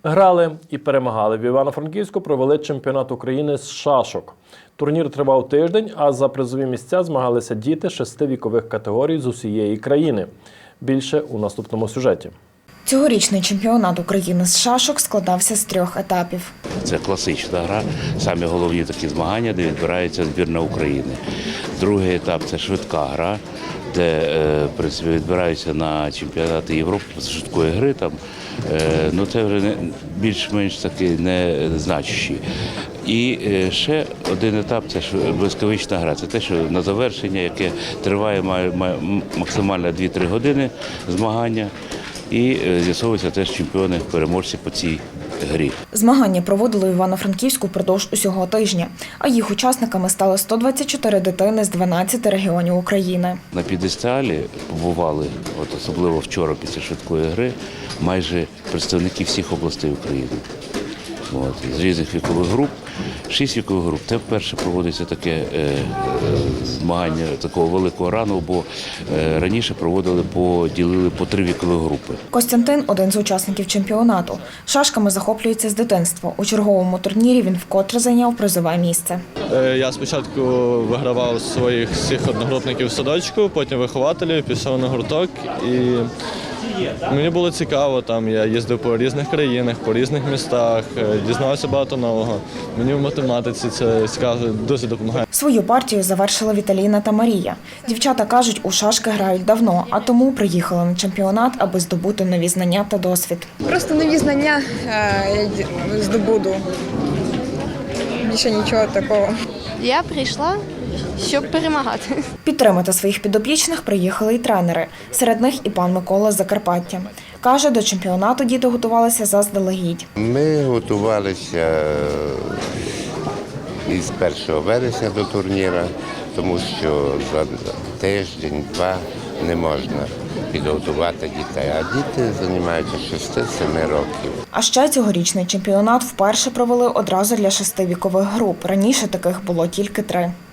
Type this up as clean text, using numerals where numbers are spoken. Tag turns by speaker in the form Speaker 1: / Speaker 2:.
Speaker 1: Грали і перемагали. В Івано-Франківську провели чемпіонат України з шашок. Турнір тривав тиждень, а за призові місця змагалися діти 6 вікових категорій з усієї країни. Більше у наступному сюжеті.
Speaker 2: Цьогорічний чемпіонат України з шашок складався з 3 етапів.
Speaker 3: Це класична гра, самі головні такі змагання, де відбирається збірна України. Другий етап – це швидка гра, де відбираються на чемпіонати Європи з швидкої гри. Це вже більш-менш таки незначущі. І ще один етап – це блискавична гра. Це те, що на завершення, яке триває максимально 2-3 години змагання. І з'ясовуються теж чемпіони-переможці по цій грі.
Speaker 2: Змагання проводили в Івано-Франківську впродовж усього тижня, а їх учасниками стали 124 дитини з 12 регіонів України.
Speaker 3: На п'єдесталі побували, особливо вчора після швидкої гри, майже представники всіх областей України. З різних вікових груп, 6 вікових груп. Це вперше проводиться таке змагання такого великого рану, бо раніше поділили по 3 вікові групи.
Speaker 2: Костянтин – один з учасників чемпіонату. Шашками захоплюється з дитинства. У черговому турнірі він вкотре зайняв призове місце.
Speaker 4: Я спочатку вигравав своїх всіх одногрупників в садочку, потім вихователів, пішов на гурток. І мені було цікаво, я їздив по різних країнах, по різних містах, дізнавався багато нового. Мені в математиці це цікаво, дуже допомагає.
Speaker 2: Свою партію завершила Віталіна та Марія. Дівчата кажуть, у шашки грають давно, а тому приїхали на чемпіонат, аби здобути нові знання та досвід.
Speaker 5: Просто нові знання я здобуду. Більше нічого такого.
Speaker 6: Я прийшла, щоб перемагати.
Speaker 2: Підтримати своїх підопічних приїхали й тренери. Серед них і пан Микола з Закарпаття. Каже, до чемпіонату діти готувалися заздалегідь.
Speaker 7: Ми готувалися із 1 вересня до турніру, тому що за тиждень-два не можна підготувати дітей, а діти займаються 6-7 років.
Speaker 2: А ще цьогорічний чемпіонат вперше провели одразу для 6 вікових груп. Раніше таких було тільки 3.